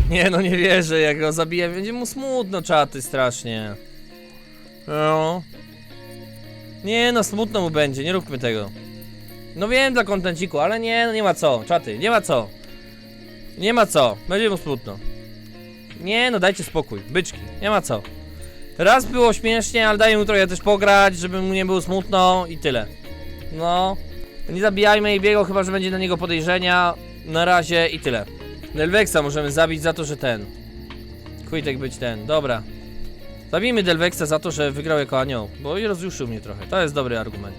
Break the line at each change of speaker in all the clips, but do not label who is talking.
Nie no, nie wierzę, jak go zabiję, będzie mu smutno, czaty, strasznie. No. Nie no, smutno mu będzie, nie róbmy tego. No wiem dla kontenciku, ale nie, no nie ma co, czaty, nie ma co. Nie ma co, będzie mu smutno. Nie no, dajcie spokój, byczki, nie ma co. Raz było śmiesznie, ale daj mu trochę też pograć, żeby mu nie było smutno i tyle. No. Nie zabijajmy Ejbiego, chyba że będzie na niego podejrzenia. Na razie i tyle. Delvexa możemy zabić za to, że ten. Kujtek być ten, dobra. Zabijmy Delvexa za to, że wygrał jako anioł, bo i rozjuszył mnie trochę. To jest dobry argument.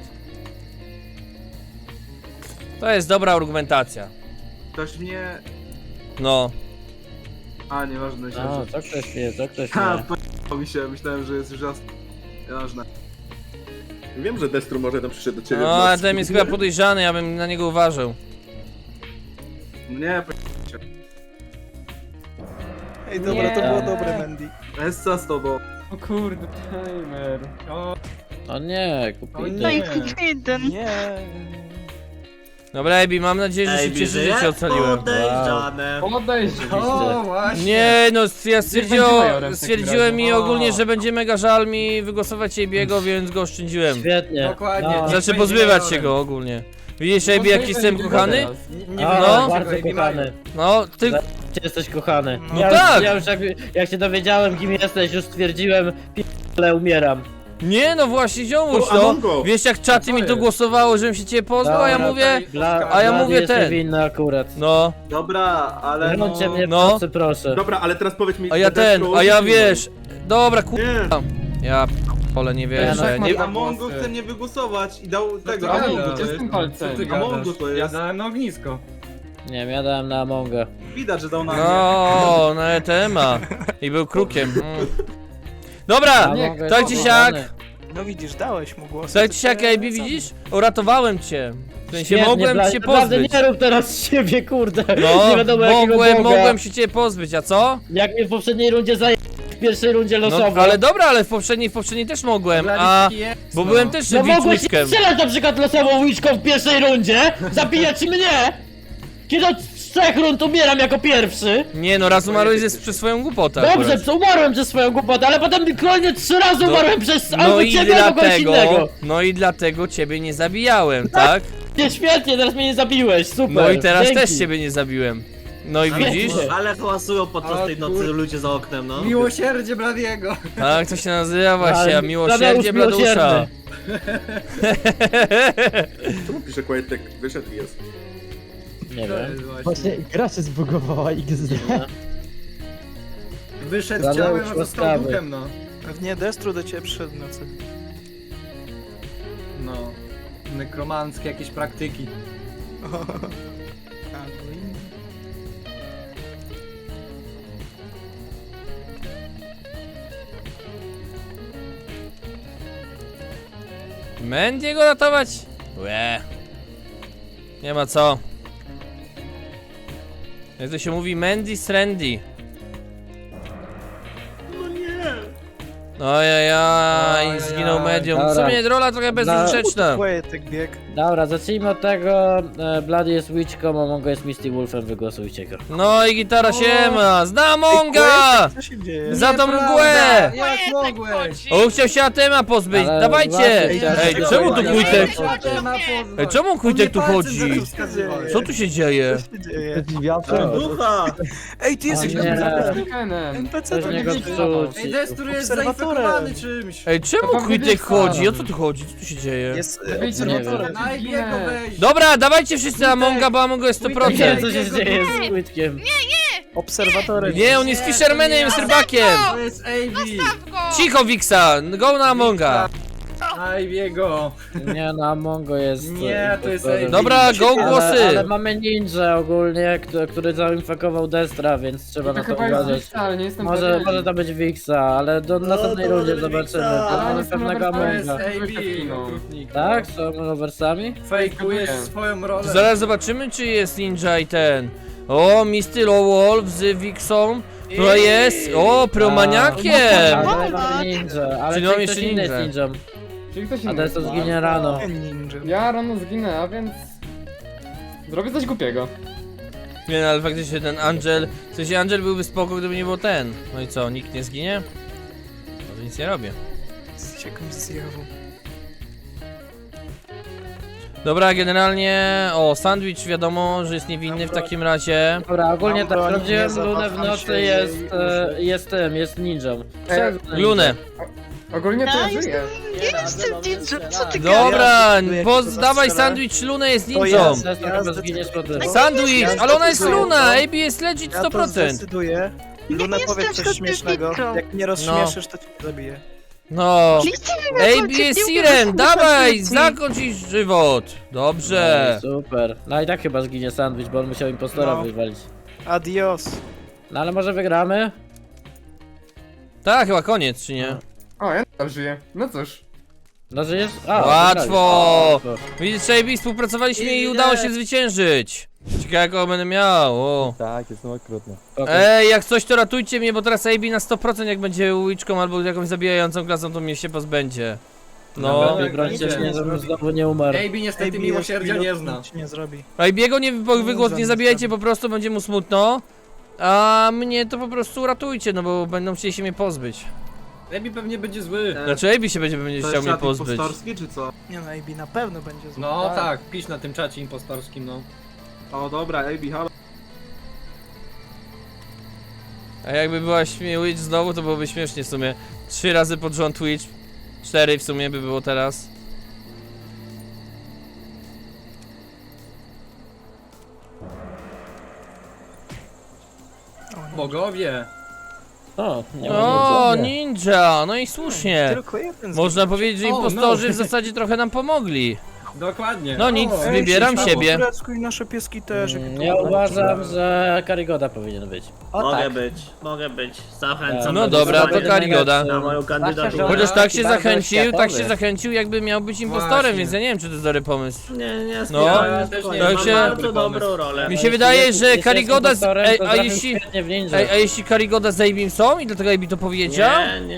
To jest dobra argumentacja.
Ktoś mnie...
No.
A, nieważne, się.
No, co ktoś wie, co ktoś
Ha,
wie.
p***ł mi się, myślałem, że jest już jasne. Nieważne.
Wiem, że Destru może tam przyszedł do ciebie.
No, ale ten jest chyba podejrzany, ja bym na niego uważał.
Nie,
Ej, dobra, to
Nie.
było dobre, Mandy.
Essa z tobą.
O kurde, timer.
O nie, kupili.
No i
jeden.
Nie.
Dobra, Ebi, mam nadzieję, że się cieszę, że cię ocaliłem.
Podejrzane.
O, właśnie.
Nie no, ja
majorem w
stwierdziłem
takim
mi
razie.
ogólnie, że będzie mega żal mi wygłosować Ebiego, więc go oszczędziłem.
Świetnie.
Dokładnie.
No.
Znaczy pozbywać się go ogólnie. Widzisz Ebi, jaki jestem kochany?
No,
No.
bardzo kochany.
No, ty...
Ty jesteś kochany.
No
Ja
tak.
Już, ja już jak się dowiedziałem, kim jesteś, już stwierdziłem, ale umieram.
Nie no właśnie, ziomuś,
O,
no.
Amongo.
Wiesz jak czaty mi to głosowało, żebym się ciebie pozbył, a ja
Dobra,
mówię...
A
ja mówię
jest
ten.
niewinny akurat.
No,
Dobra, ale no...
Wyrącie mnie
No.
proszę, proszę.
Dobra, ale teraz powiedz mi...
a ja ten,
Destru,
a ja
nie
wiesz... Dobra,
Nie.
kurwa. Ja p***ole, nie wierzę.
tak
Nie...
mam-
Amongo chce mnie wygłosować i dał tego,
Amongo,
Amongo
gdzie
to
z
jest.
tym palcem?
Amongo to
Ja
jest.
dałem na ognisko.
Nie wiem, ja dałem na Amonga.
Widać, że dał na mnie.
No, na ETM-a. I był krukiem. Dobra,
Among jest
tak czy siak.
kochany.
No widzisz, dałeś mu głos.
Tak czy siak, AB, widzisz? Uratowałem cię. W sensie
Świetnie,
mogłem
Blady,
cię
naprawdę
pozbyć.
nie rób teraz z siebie, kurde.
No,
nie wiadomo jakiego Boga.
mogłem się ciebie pozbyć, a co?
Jak mnie w poprzedniej rundzie w pierwszej rundzie
No,
losowo.
ale dobra, ale w poprzedniej też mogłem, a... Bo byłem też
No mogłeś
witchkiem.
strzelać na przykład losową łyczką w pierwszej rundzie, zabijać mnie! Kiedy od 3 rund umieram jako pierwszy.
Nie no, raz umarłeś przez swoją głupotę
Dobrze,
akurat.
umarłem przez swoją głupotę, ale potem kolejne 3 razy
No,
umarłem przez
No
albo
i
ciebie, albo kogoś innego.
dlatego ciebie nie zabijałem, tak?
Nie, świetnie, teraz mnie nie zabiłeś, super.
No i teraz
dzięki.
też ciebie nie zabiłem. No i widzisz?
Ale hałasują podczas tej nocy ludzie za oknem, no.
Miłosierdzie Bladiego.
Tak, to się nazywa właśnie,
Ale
miłosierdzie
Bladeusz
Bladusza.
Czemu pisze Quietek? Wyszedł i jest.
Nie wiem.
Właśnie gra się zbugowała XD.
Wyszedł
Bladeusz
ciałem, a został
łaskawy.
duchem, no.
Pewnie Destru do ciebie przyszedł w nocy.
No. Nekromanckie jakieś praktyki.
Mendiego ratować? Łe. Nie ma co. Jak to się mówi, Mandy Strandy. Ojajaj, zginął medium. W
Dobra.
sumie rola trochę bezużyteczna.
Kłetek bieg.
Dobra, zacznijmy od tego. Bloody jest Witchką, a Mongo jest Misty Wolfem, wygłosujcie go.
No i gitara siema. Znam Monga!
Co się dzieje?
Za tą mgłę!
Jak mogłeś?
O, chciał się Atema pozbyć,
Ale
dawajcie!
właśnie,
Ej,
chciałem
czemu tu
się
Kujtek?
pozbyć.
Ej, czemu Kujtek tu chodzi? Co tu się dzieje?
Co się dzieje?
Dziwiacze.
Ducha!
Ej, ty jesteś
O nie.
NPC
Coś
to
mnie
nie
go
widzi.
wrzuci.
Ej, Destur jest
Obserwatorem.
zainfekowany czymś.
Ej, czemu
To
Kujtek
Wiksa.
chodzi? O co tu chodzi? Co tu się dzieje?
Jest
Nie
obserwatorem.
Najbiego weź.
Dobra, dawajcie wszyscy Amonga, bo Amongo jest
Nie wiem
100%.
co się dzieje z Witchkiem.
Obserwatorem.
Nie, on jest Fishermanem, jest rybakiem.
To jest Avi.
Cicho, Wiksa, go na Amonga.
Najbiego.
Nie no, Mongo jest...
Nie, to jest
impostorem.
Dobra, go
Ale
głosy.
mamy ninja ogólnie, który zainfekował Destra, więc trzeba na to uważać.
ale nie jestem
Może to być Wixa, ale do następnej
to
rundzie
może być
zobaczymy.
Wixa.
To mamy pewnego
To jest
Amonga.
Avi.
Tak? Są rowersami?
Fejkujesz swoją rolę.
Zaraz zobaczymy, czy jest ninja i ten. O, Misty Wolf z Wixą. To jest. O, promaniakiem.
Ale mamy ninja, ale
Czyli
czy
mam
ktoś
jeszcze
inny jest
ninja.
ninją.
Czyli ktoś
A Destra zginie rano.
Ninja.
Ja rano zginę, a więc... Zrobię coś głupiego.
Nie no, ale faktycznie ten Angel... W sensie Angel byłby spoko, gdyby nie było ten. No i co, nikt nie zginie? No to nic nie robię.
Z jakimś zjawą.
Dobra, generalnie... O, sandwich wiadomo, że jest niewinny w takim razie.
Dobra, ogólnie
Mam
tak,
broń,
sprawdziłem
nie
Lunę w
zawaham
nocy,
się
jest ninją.
Lunę.
Ogólnie to ja żyję.
Jestem ninja, co ty
Dobra,
Ja
dawaj
strzelę.
sandwich Lunę jest
To
ninją.
ja
Zginiesz po tym.
Sandwich,
Ja
ale ona jest
zdecyduję
Luna,
to.
AB jest legit
Ja to
100%.
zdecyduję. Luna,
jestem
powiedz coś
zgodny z
śmiesznego.
Nitrą.
Jak mnie rozśmieszysz, to cię zabiję.
No. AB
AB
jest Sirem, dawaj, zakończ jej żywot. Dobrze.
Super. No i tak chyba zginie sandwich, bo on musiał impostora
No.
wywalić.
Adios.
No ale może wygramy?
Tak, chyba koniec, czy nie?
O, ja nadal żyję. No cóż.
No że jest...
Łatwo.
wygrali.
Widzisz, AB, współpracowaliśmy i udało się zwyciężyć. Ciekawe jaką będę miał. O.
Tak, jestem okrutny.
Ej, jak coś to ratujcie mnie, bo teraz AB na 100% jak będzie łyczką albo jakąś zabijającą klasą, to mnie się pozbędzie. No.
Dobra, brońcie mnie, żebym znowu nie umarł.
AB niestety miłosierdzia nie zna.
Nic nie zrobi.
AB'ego nie wygłos nie zabijajcie, po prostu będzie mu smutno. A mnie to po prostu ratujcie, no bo będą chcieli się mnie pozbyć.
AB pewnie będzie zły.
Znaczy AB się będzie
To
chciał
jest
mnie
czat
pozbyć.
impostorski, czy co?
Nie no, AB na pewno będzie zły.
No tak, pisz na tym czacie impostorskim, no.
O dobra, AB, halo.
A jakby była Twitch znowu, to byłoby śmiesznie w sumie. 3 razy pod rząd Twitch. 4 w sumie by było teraz.
Bogowie.
O, nie ma
O,
nic.
ninja! No i słusznie.
Tylko jeden
Można powiedzieć, że
O,
impostorzy
no.
w zasadzie trochę nam pomogli.
Dokładnie.
No nic,
O,
wybieram
ej,
siebie.
Po turecku i nasze pieski też. jak to
Ja
ładnie.
uważam, że Karigoda powinien być.
Mogę być. Zachęcam.
No
do
dobra, to
głosowania
Karigoda.
Na moją kandydaturę.
Chociaż tak się
Bardzo
zachęcił, jakby miał być impostorem,
Właśnie.
więc ja nie wiem, czy to jest dobry pomysł.
Nie,
No,
spokojnie,
też
spokojnie.
nie.
to
Mam
się-
bardzo dobrą rolę.
Mi się wydaje, że Karigoda z... Ej, a
jeśli...
jeśli Karigoda z Abim są i dlatego Abi to powiedział?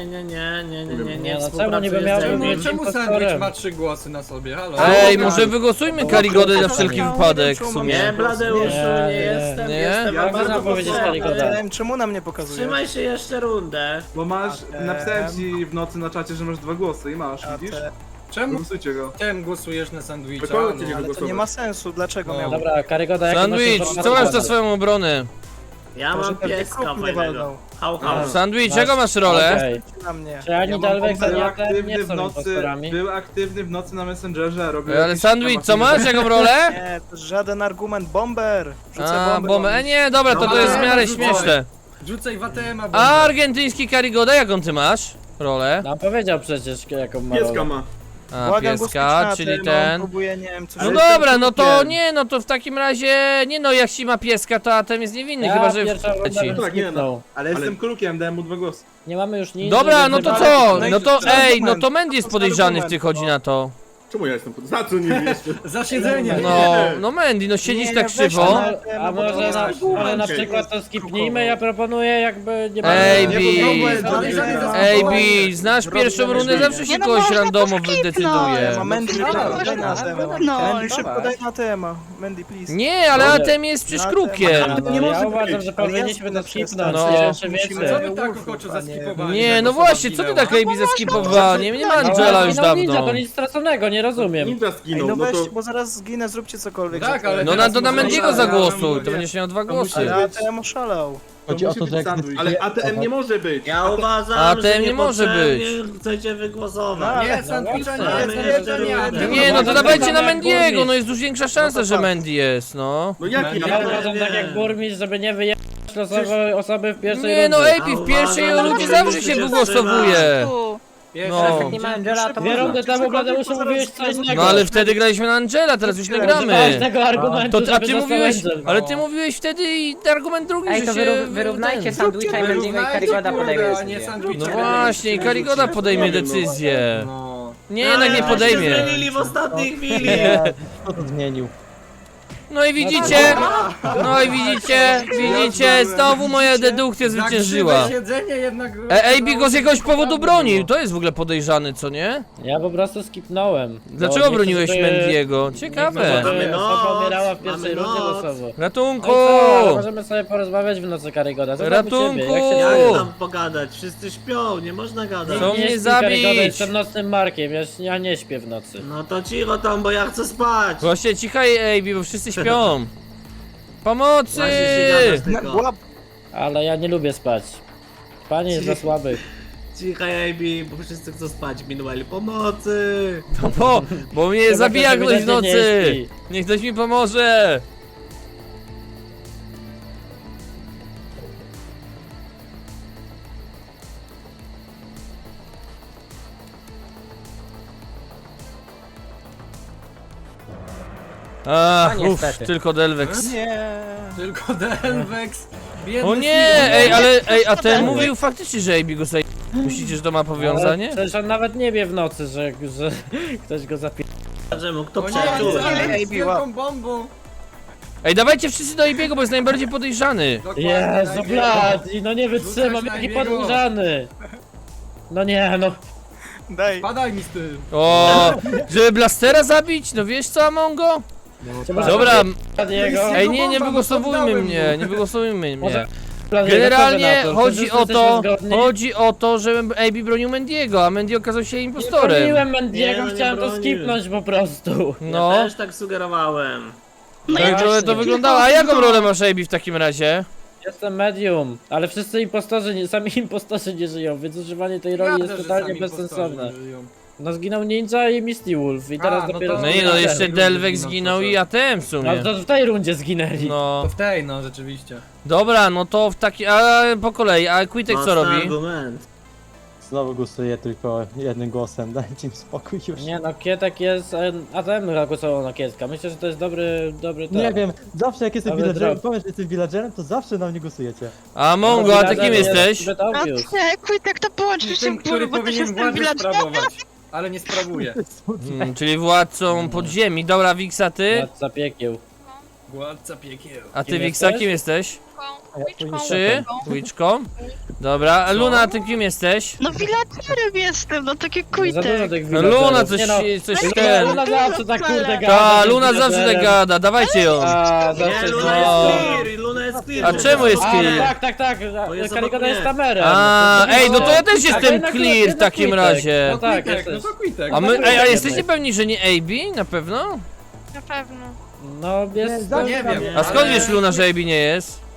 Nie,
no czemu niby miał
współpracuję z
być
Abim.
Czemu
impostorem?
sandwich ma 3 głosy na sobie? Halo?
Ej, może wygłosujmy Karigodę na wszelki wypadek w sumie.
Nie, Bladeuszu,
Nie,
nie jestem,
nie.
jestem
Jak
bardzo
można powiedzieć
posłuszny.
Karigoda?
Wiem, czemu na mnie pokazuje?
Trzymaj się jeszcze rundę.
Bo masz,
A
napisałem ci w nocy na czacie, że masz 2 głosy i masz,
A
widzisz?
te-
Czemu
Głosujcie go.
tym głosujesz na sandwicha?
Kogo
No.
cię nie
Ale to nie ma sensu, dlaczego
No.
miałbym?
Dobra, Karigoda, jakie masz
Sandwich,
informacje
co masz
na
za
temat?
swoją obronę?
Ja
Może
mam
pewnie
pieska
kruk mnie
fajnego.
walnął.
Hał, hał.
Sandwich, jaką masz rolę?
Okej.
Na mnie.
Czy ani Dalvex, ani
Był
Atem
aktywny
nie
w
są
nocy,
impostorami?
był aktywny w nocy na Messengerze, robił
Ale
jakieś
Sandwich,
tam
co masz, jaką rolę?
Nie, to żaden argument. Bomber! Wrzucę
A,
bombę.
bombę, nie, dobra, to
No,
jest w miarę
ale
śmieszne.
Rzucaj w ATM-a,
A argentyński Karigoda, jaką ty masz rolę?
No powiedział przecież, jaką ma
Pieska
rolę.
ma.
A,
Błagam,
pieska,
głosujcie na
czyli
tym, on
ten.
próbuje, nie wiem, coś...
No
Ale
dobra,
jestem
no to
krukiem.
nie, no to w takim razie, nie no, jak ci ma pieska, to Atem jest niewinny, chyba że
pierwsza runda
ci.
bym
Tak, nie, no.
skipnął.
Ale jestem krukiem, dałem mu 2 głosy.
Nie mamy już nic.
Dobra,
więc
no to
nie
co?
ma-
No to
to jest
ej, no
argument.
to Mendy jest
To jest
podejrzany w
argument,
tych chodzi
no.
na to.
Czemu ja jestem? Za co nie wiesz?
Za siedzenie.
No Mendy, no siedzisz
Nie,
tak
weź
krzywo.
tam.
A może na przykład to skipnijmy, ja proponuję jakby nie ma...
Ej,
Nie,
Bi,
bo problem,
ej Bi, znasz pierwszą rundę, zawsze się
Nie, no
kogoś
można
randomo
to
decyduje.
Ma Mandy, daj na temat.
No.
Mandy, szybko daj na temat. Mandy, please.
Nie, ale Atem jest przecież
Na
krukiem.
No,
nie może
ja
być.
uważam, że
Ale
powinniśmy
jasne,
to skipnąć,
no.
nie wiem czy
Musimy-
wiecie.
Co wy tak
Wolfów,
ochoczo
a nie-
zaskipowali?
Nie,
że
no
osoba
właśnie, co ty
zginęła?
tak Ejbi zeskipowała? Nie ma Angela już
No ninja,
dawno.
to nic straconego, nie rozumiem.
Ninja
Ej,
zginął,
no
no to...
weź, bo zaraz zginę, zróbcie cokolwiek.
Tak,
za to.
ale
No
teraz
to na
może
Mendiego
ja
zagłosuj,
mam-
to będziesz miał 2 głosy.
Ale ATM oszalał.
Chodzi o to, że jak
Ale ATM nie może być.
Ja uważam,
A
że
ten nie może
niepotrzebnie chcecie wygłosować.
Nie, sandwicha nie
Mamy
jest,
jeszcze
nie,
rundę.
Nie, no to dawajcie na Mendiego,
Mendiego,
no jest dużo większa szansa, że Mendy jest, no.
No jaki
Ja
ja?
uważam tak jak burmistrz, żeby nie wyjechać losowej osoby w pierwszej
Nie no,
rundzie.
Ejbi, w pierwszej ludzie zawsze się wygłosowuje. No.
Nie ma
Angela,
Dwie rundy temu Bladeuszu mówiłeś co innego.
No ale wtedy graliśmy na Angela, teraz już nie gramy.
Ważnego argumentu,
To, a
żeby
ty
został
mówiłeś,
Angel.
ale ty mówiłeś wtedy i argument drugi,
Ej,
że
to
się...
wyrównajcie
ten.
sandwicha i Mendiego i Karigoda podejmie decyzję.
No właśnie, i Karigoda podejmie decyzję.
No.
Nie, jednak nie podejmie.
Zmienili w ostatniej chwili.
Kto to zmienił?
No i widzicie, widzicie, znowu moja dedukcja zwyciężyła.
Siedzenie jednak...
AB go z jakiegoś powodu bronił, to jest w ogóle podejrzany, co nie?
Ja po prostu skipnąłem.
Dlaczego
Bo nie
broniłeś
chcę, żeby-
Mendiego?
Nie
Ciekawe.
chcę, żeby
Mamy
osoba
noc,
umierała w pierwszej
mamy
rundzie
noc.
losowo.
Ratunku!
No i co, ale możemy sobie porozmawiać w nocy Karygoda. Co tam u
Ratunku!
ciebie? Jak się
Jak
O!
tam pogadać? Wszyscy śpią, nie można gadać.
Chcą
nie
mnie
śpi
zabić.
Karygoda, jestem nocnym Markiem, ja nie śpię w nocy.
No to cicho tam, bo ja chcę spać.
Właśnie cichaj AB, bo wszyscy śpią. Pomocy!
Właśnie się gadasz
Na,
tylko.
łap.
Ale ja nie lubię spać. Panie jest za słaby.
Cichaj AB, bo wszyscy chcą spać. Meanwhile, pomocy.
No bo mnie
Chyba
zabija
ktoś
ktoś w
ewidentnie
nocy!
nie śpi.
Niech ktoś mi pomoże! Ach, tylko Delvex.
Nie.
Tylko Delvex. Biedny
O nie,
Steven.
a ten mówił faktycznie, że AB go zaj... Myślicie, że to ma powiązanie?
Ale przecież on nawet nie wie w nocy, że ktoś go zapie...
Czemu? Kto
O nie,
przeczył?
Delvex z
AB, łap.
wielką bombą.
Ej, dawajcie wszyscy do AB'ego, bo jest najbardziej podejrzany.
Dokładnie,
Jezu,
najpierw-
blad! I no nie wytrzymam,
Rzucać
jaki
na Ibiego.
podłużany! No nie, no.
Daj.
Padaj mi z tym.
O, żeby Blastera zabić? No wiesz co, Amongo? Dobra,
Jego.
ej nie
bomba,
wygłosowujmy
poddałem
mnie,
mu.
nie wygłosowujmy mnie.
Bladiego,
Generalnie
co wy na to?
chodzi
Wszyscy
o to,
jesteśmy zgodni?
że AB bronił Mendiego, a Mendy okazał się
Nie
impostorem.
broniłem
Nie,
Mendiego,
no nie
chciałem to
bronił.
skipnąć po prostu.
No,
Ja też tak sugerowałem.
tak to wyglądało. A jaką rolę masz AB w takim razie?
Jestem medium, ale wszyscy impostorzy, sami impostorzy nie żyją, więc używanie tej roli
Ja
jest
też, że
totalnie
sami
bezsensowne.
impostorzy żyją.
No zginął Ninja i Misty Wolf i teraz
no
dopiero...
to-
No nie no,
Ja
jeszcze
też.
Delvex zginął i ATM w
No
sumie.
to w tej rundzie zginęli.
No,
To w tej, no rzeczywiście.
dobra, no to w taki, a po kolei, a Quitek co
Mocny
robi?
argument.
Znowu głosuję tylko jednym głosem, dajcie mi spokój już.
Nie no, Kietek jest... ATM głosował na Kietka, myślę, że to jest dobry
Nie
tak.
wiem, zawsze jak jestem
Ale
villagerem,
drop.
powiem, że jestem villagerem, to zawsze na mnie głosujecie.
A Mongo, a ty kim jesteś?
Zbyt
No
obvious.
nie, Quitek, to połączysz się
Tym,
w
który
bo też
powinien
jestem
władzę
villagerem.
sprawować. Ale nie sprawuje.
Czyli władcą podziemi. Dobra, Wiksa, ty?
Za piekieł.
Władca piekieł.
A ty
Kim
Wiksa,
jesteś?
kim jesteś?
Twitchką.
Czy? Twitchką? Dobra, a Luna, ty kim jesteś?
No villagerem jestem, no takie
Za dużo
Quitek.
tych
No
villagerów.
Luna coś,
Nie no,
coś
Luna-
ten.
Luna zawsze tak kurde gada.
Ta,
tym
Luna zawsze
villagerem.
tak gada, dawajcie ją.
A,
Nie,
zawsze
Luna
no.
jest clear, Luna jest clear.
A czemu jest
A, no
clear?
tak,
Bo jest
Karygoda
obok
jest
mnie.
kamerą.
A, ej, no to ja też jestem
jednak-
clear w
jednak
takim
Quitek.
razie.
No tak,
Quitek, no
jesteś.
to Quitek.
A my,
Quitek
ej, a
jednak.
jesteście pewni, że nie AB? Na pewno?
Na pewno.
No jest...
Nie,
Nie wiem.
A skąd
ale-
wiesz, Luna, że AB nie jest?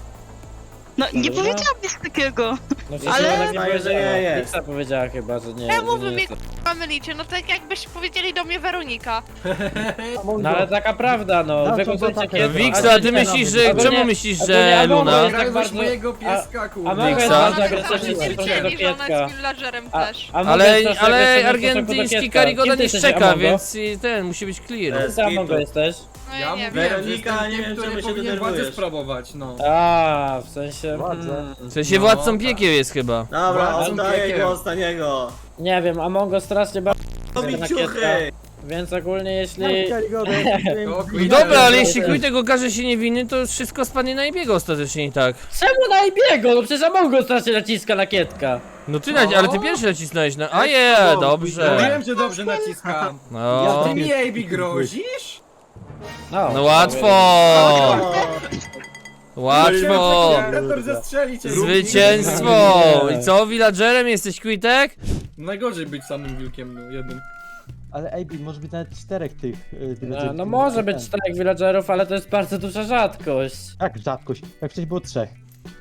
No nie
Dobra.
powiedziałam nic takiego.
No,
Ale-
ale nie
Wydaje, że
powiedziała.
nie jest.
Wiksa powiedziała chyba, że nie.
Czemu
że
wy
nie
mnie
jest.
k***a mylicie? No tak jakbyś powiedzieli do mnie Weronika.
No ale taka prawda, no.
No,
Wygłosujcie
to tak.
Kietka.
Wiksa, a ty myślisz, że...
Ogólnie-
Czemu myślisz,
ogólnie
że
Amongo
Luna?
jest tak
Grałeś
bardzo...
mojego pieska,
A
kurde.
mogę
Wiksa?
bardzo
Ona
agresywnie
też
w stosunku do
stwierdzili, że ona
Kietka.
jest villagerem też.
A
Ale
mogę strasznie agresywnie w stosunku do
argentyński
Kietka.
Karygoda
Kim ty
nie
jesteś,
szczeka,
Amongo?
więc ten musi być clear.
Kim ty, Amongo, jesteś?
No
Ja
ja nie wiem.
mówiłem, że
Weronika,
jestem
nie
tym,
wiem,
który
czemu się
powinien władzę
denerwujesz.
sprawować, no.
A, w sensie...
Władzę.
W sensie
No,
władcą
tak.
piekieł jest chyba.
Dobra,
Władcą
oddaję
piekieł.
głos na niego.
Nie wiem, Amongo strasznie bardzo
Robi
na
ciuchy.
Kietka. Więc ogólnie jeśli...
Karygoda,
To
No
Quitek.
dobra, ale jeśli Quitek okaże się niewinny, to wszystko spadnie na jego ostatecznie i tak.
Czemu na Ibiego? No przecież Amongo strasznie naciska na Kietka.
No ty, ale ty pierwszy nacisnąłeś na... A je, dobrze.
Wiem, że dobrze naciskam.
No,
Ty mi AB grozisz?
no łatwo. Łatwo.
Rektor zastrzelić.
Zwycięstwo. I co, villagerem jesteś, Quitek?
Najgorzej być samym wilkiem, no jednym.
Ale AB, może być nawet 4 tych villagerów.
No może być 4 villagerów, ale to jest bardzo duża rzadkość.
Jak rzadkość? Jak wcześniej było 3.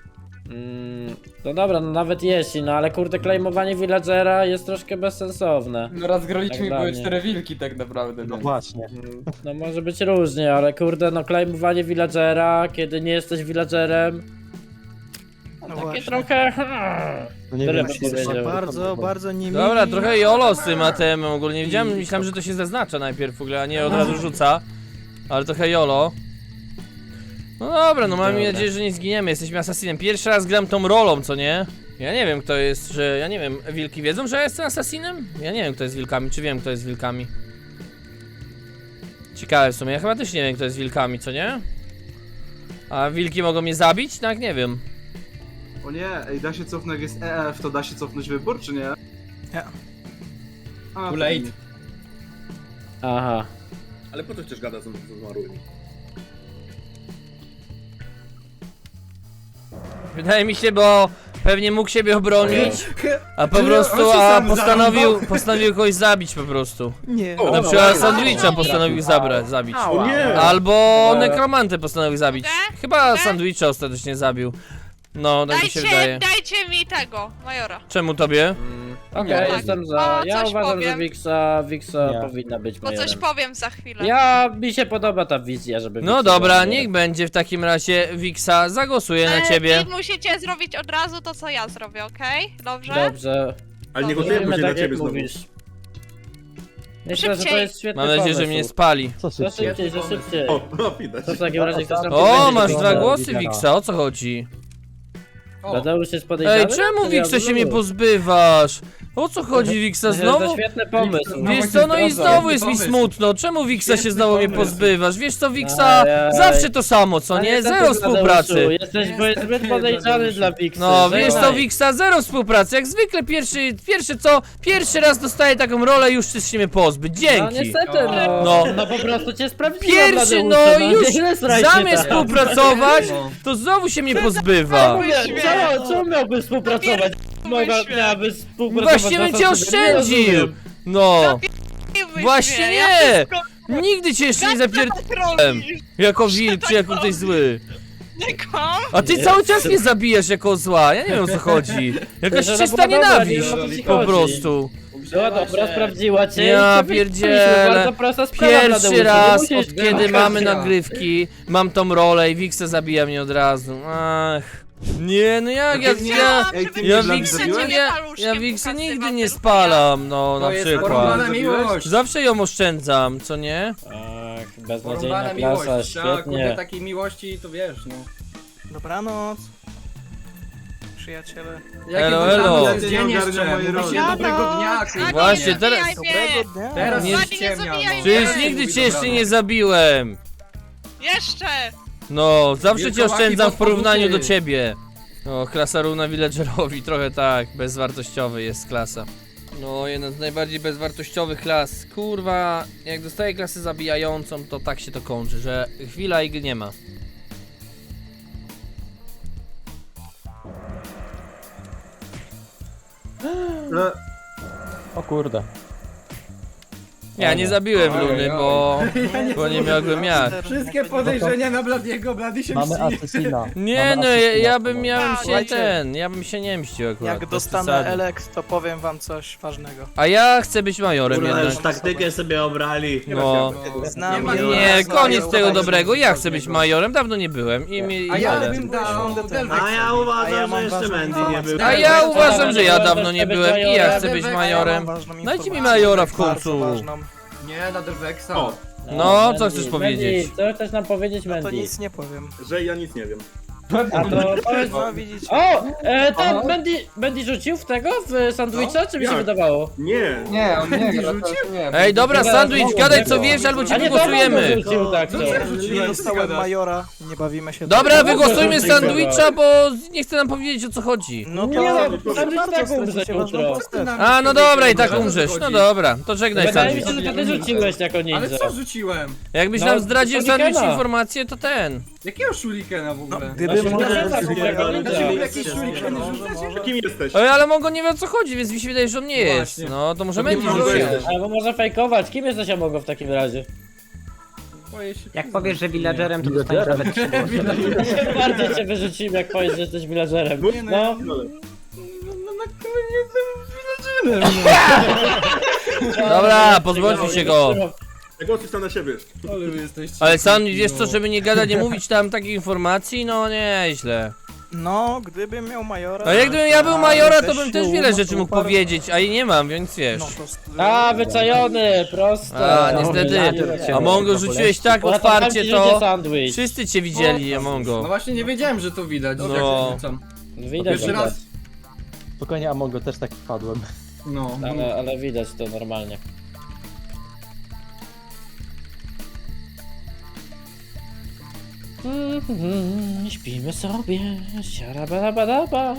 No dobra, no nawet jeśli, no ale kurde, claimowanie villagera jest troszkę bezsensowne.
No raz
Tak
graliśmy
dla
były
mnie.
4 wilki tak naprawdę,
No
więc.
właśnie.
No może być różnie, ale kurde, no claimowanie villagera, kiedy nie jesteś villagerem,
No
takie
właśnie.
trochę...
No nie
Tyle
wiem,
bym powiedział.
Bardzo, bardzo nie
Dobra, trochę jolo z tym ATM ogólnie. Wiedziałem, myślałem, że to się zaznacza najpierw w ogóle, a nie od razu rzuca. Ale trochę jolo. No dobra, no mam
Dobra.
nadzieję, że nie zginiemy. Jesteśmy asasinem. Pierwszy raz gram tą rolą, co nie? Ja nie wiem, kto jest, że... Ja nie wiem, wilki wiedzą, że ja jestem asasinem? Ja nie wiem, kto jest wilkami, czy wiem, kto jest wilkami. Ciekawe w sumie, ja chyba też nie wiem kto jest wilkami, co nie? A wilki mogą mnie zabić? Tak, nie wiem.
O nie, ej, da się cofnąć, jak jest EF, to da się cofnąć wybór, czy nie?
Nie.
A,
Too
to
late.
nie.
Aha.
Ale po co chcesz gadać z zmarłymi?
Wydaje mi się, bo pewnie mógł siebie obronić, a po
Czy
prostu,
on się
a
sam
postanowił kogoś zabić po prostu.
Nie.
O,
Na przykład
no,
sandwicha postanowił zabić.
O nie!
Albo nekromantę postanowił zabić. Chyba
Te?
sandwicha ostatecznie zabił. No, tak mi się wydaje.
Dajcie mi tego, majora.
Czemu tobie?
Okej,
Tak.
jestem
O,
za. Ja
coś
uważam,
powiem.
że Wixa
Nie.
powinna być
Bo coś
majorem.
powiem za chwilę.
Mi się podoba ta wizja, żeby
No
Wixa
dobra,
była
niech
majorem.
będzie w takim razie Wixa, zagłosuję na
Wy
ciebie.
musicie zrobić od razu to, co ja zrobię, okej? Dobrze?
Dobrze.
Ale nie
Dobrze.
głosujemy
Mówimy
później na
tak jak
ciebie znowu.
mówisz. Myślę, że to
Szybciej.
jest świetny
Mam nadzieję, że
pomysł.
mnie spali.
Co
Że
szybciej?
szybciej, że szybciej.
O, no widać.
To w takim razie ktoś tam
O,
powiedzieć,
masz
że
dwa
to-
głosy Wixa, o co chodzi?
Tadeusz jest podejrzany?
Ej, czemu Wixa się mnie pozbywasz? O co chodzi Wixa
To
znowu?
świetny pomysł.
Wiesz co, no i znowu jest mi smutno. Czemu Wixa się znowu mnie pozbywasz? Wiesz co, Wixa,
Ajaj.
zawsze to samo, co nie?
niestety,
Zero
Tadeuszu,
współpracy.
Jesteś zbyt podejrzany dla Wixa.
No, wiesz co, Wixa, zero współpracy. Jak zwykle pierwszy raz dostaję taką rolę i już chcesz się mnie pozbyć.
No
Dzięki.
niestety,
No.
no po prostu cię sprawdziłem.
Pierwszy,
Tadeuszu,
no już
nie straj się
zamiast
tak.
współpracować, to znowu się mnie pozbywa.
Mówię, co miałby współpracować? Miałaby współpracować.
Właśnie
na
bym cię
zasadzie, nie
oszczędził.
rozumiem.
No,
Wyśmiej
właśnie
mnie, ja
nie.
wszystko
Nigdy cię jeszcze nie zapierdolę.
robisz.
Jako wilk czy jako ktoś zły.
Nie kłam.
A ty cały czas mnie zabijasz jako zła, ja nie wiem o co chodzi. Jakaś
Że ona
czysta
była dobra,
nienawiść,
nie wiem, o co ci
po
chodzi.
prostu.
Była dobra, sprawdziła cię.
Ja
i cię wypuściliśmy.
pierdzielę.
Bardzo prosta sprawa,
Pierwszy
Tadeusz, nie
raz
musisz-
od kiedy mamy nagrywki, mam tą rolę i Wixa zabija mnie od razu. Ach. Nie, no jak ja
Ej, ty
ja
mnie dla mnie
Wixa
zabiłeś?
ja Wixa nigdy nie spalam, no na
To jest
przykład.
porąbana miłość.
Zawsze ją oszczędzam, co nie?
Ach, beznadziejna
Porąbana
klasa,
miłość. Trzeba, kurde,
świetnie.
takiej miłości, to wiesz, no.
Dobranoc. Przyjaciele.
Elo, elo.
To jest
Nie
dzień
ogarnia
jeszcze.
mojej
Mówi się
roli.
dobrego dnia,
A
kurwa.
Właśnie,
nie
teraz-
zabijaj mnie.
Dobrego dnia.
Teraz
Nie-
nie
Nie
ściemnia,
zabijaj
no.
Przecież
Ej,
nigdy
mówi
cię jeszcze
dobranoc.
nie zabiłem.
Jeszcze.
No, zawsze cię
Wilkołaki
oszczędzam w
pod
porównaniu do
podwórkiem.
ciebie. No, klasa równa villagerowi, trochę tak, bezwartościowy jest klasa. No, jedna z najbardziej bezwartościowych klas. Kurwa, jak dostaję klasę zabijającą, to tak się to kończy, że chwila i nie ma.
O kurde.
Ja nie zabiłem
Oj,
Luny,
oj.
bo nie miałbym jak.
Wszystkie podejrzenia na Bladiego, Blady się
Mamy
mści.
asesina.
Nie
Mamy
no,
asesina.
ja bym miałem się
Słuchajcie,
ja bym się nie mścił akurat.
Jak
bez
dostanę
przesady.
Eleks, to powiem wam coś ważnego.
A ja chcę być majorem
Kurwa, już
jednak.
taktykę sobie obrali.
No.
Znam
ma-
wielu
Nie,
osób,
koniec
które
tego
uważają,
dobrego,
że
ja
to
chcę być
ważnego.
majorem, dawno nie byłem i
A ja
tyle.
bym dał
A
Delvexa.
A ja
A ja
uważam,
mam
że jeszcze
ważną
Mandy nie
informację.
był.
A ja uważam, że ja dawno nie byłem i ja chcę być
Ja
majorem.
Mam ważną
Dajcie mi
informację,
majora w
bardzo
końcu.
ważną.
Nie, na Delvexa.
O,
No, co chcesz powiedzieć?
Co chcesz nam powiedzieć,
To
Mandy?
nic nie powiem.
że ja nic nie wiem.
A to powiedz...
No widzicie.
O! Ten Mandy rzucił w tego? W sandwicha, czy mi się
Jak?
wydawało?
Nie.
Nie, on nie rzucił?
Ej, dobra, sandwich, gadaj co wiesz, albo
A
cię
nie, to Mandy
wygłosujemy.
rzucił, tak to.
Nie dostałem majora, nie bawimy się.
Dobra,
tak.
wygłosujmy
Dobra.
sandwicha, bo nie chcę nam powiedzieć o co chodzi.
No to...
Nie, no,
proszę
sandwich
bardzo,
tak umrze
stracicie
jutro.
ważną postać.
A, no dobra, i tak umrzesz. No dobra, to żegnaj
Wydaje mi
sandwich.
się, że to ty rzuciłeś jako
Ale
ninja.
co rzuciłem?
Jakbyś
No,
nam zdradził
shurikena.
sandwich informację, to ten.
Jakiego shurikena w ogóle?
Gdybym
Właśnie
mógł...
nie wiem, takiego ninja.
Jakieś shurikeny rzucacie?
Kim jesteś?
Ej, ale Mongo nie wie o co chodzi, więc mi się wydaje, że on nie jest.
Właśnie.
No, to może
To nie
będzie
może
rzucił.
być.
Albo można fejkować. Kim jesteś Amogo w takim razie?
Boję się
Jak
przyznać.
powiesz, że villagerem, to dostaniesz nawet 3 głosy.
Bardziej cię wyrzucimy, jak powiesz, że jesteś villagerem.
Nie, no,
No.
Dobra, pozbądźmy się go.
Głosuj sam na siebie.
Ale wy jesteście...
Ale sandwich, wiesz co, żeby nie gadać, nie mówić tam takich informacji, no nieźle.
No, gdybym miał majora...
A jak gdybym ja był majora, to
też
bym też
sił,
wiele
no
rzeczy
to
mógł
bardzo-
powiedzieć, a i nie mam, więc wiesz.
No to...
A, wyczajony, prosto.
A, niestety. A Mongo rzuciłeś tak otwarcie, to
sandwich.
wszyscy cię widzieli,
No
Mongo.
właśnie nie wiedziałem, że to widać.
No.
Jak rzucam.
Widać,
Pierwszy
widać.
raz.
Spokojnie, Amongo, też tak wpadłem.
No.
Ale widać to normalnie. Śpimy sobie, siarabadabadaba.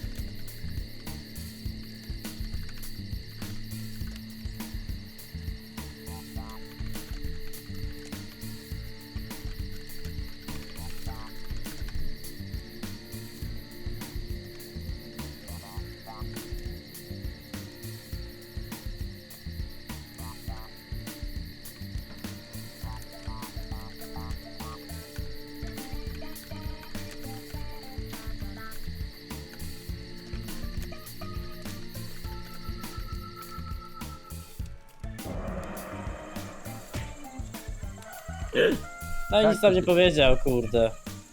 No i nic tam nie powiedział, kurde.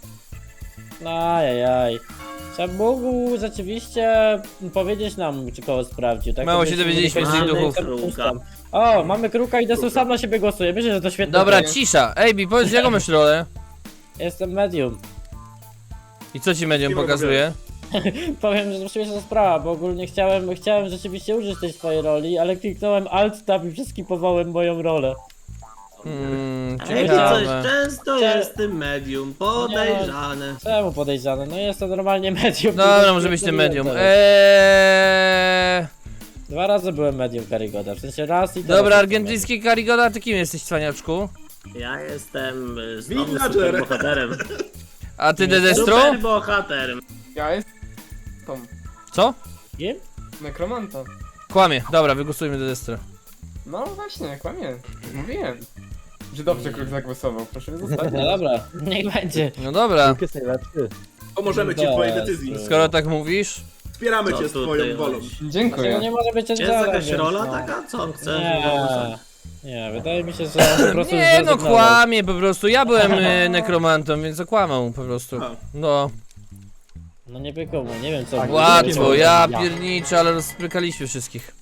Ajajaj. Trzeba mógł rzeczywiście powiedzieć nam, czy kogo sprawdził, tak?
Mało się
Żebyśmy
dowiedzieliśmy
mieli
z tych
pewność,
duchów.
że pustam. O, mamy kruka i Desu sam na siebie głosuje. Myślę, że to świetne.
Dobra, cisza. Ejbi, powiedz jaką masz rolę?
Jestem medium.
I co ci medium
Kim
pokazuje?
Powiem, że śmieszna sprawa, bo ogólnie chciałem rzeczywiście użyć tej swojej roli, ale kliknąłem Alt Tab i przeskipowałem moją rolę.
Ej, coś
Ciekawe.
często jest tym medium, podejrzane.
Czemu podejrzane? No jest to normalnie medium.
Dobra, może być tym medium.
Dwa razy byłem medium Karigoda, w sensie raz i teraz
Dobra,
jestem
argentyński Karigoda, ty kim jesteś, cwaniaczku?
Ja jestem znowu
Villager.
superbohaterem.
A ty Dedestro?
Superbohaterem.
Ja jestem...
Co?
medium.
Nekromanta.
Kłamie. Dobra, wygłosujmy Dedestro.
No właśnie, kłamie. Mówiłem. Że dobrze Kruk zagłosował, proszę mnie zostawić.
No dobra, niech będzie.
No dobra,
Kruk jest najlepszy.
Pomożemy ci w twojej decyzji.
skoro tak mówisz.
Wspieramy cię z
Co
twoją
tutaj
wolą.
chodzi?
Dlaczego
Dziękuję.
nie może być
Jest
Angela,
jakaś
więc
rola
no.
taka? Co on chce?
Nie, wydaje mi się, że on po prostu
Nie no,
zrezygnował.
kłamie po prostu. Ja byłem nekromantą, więc okłamał po prostu.
A.
No,
No nie bykomu, nie wiem co.
Tak,
łatwo, ja
Ja.
pierniczę, ale rozprykaliśmy wszystkich.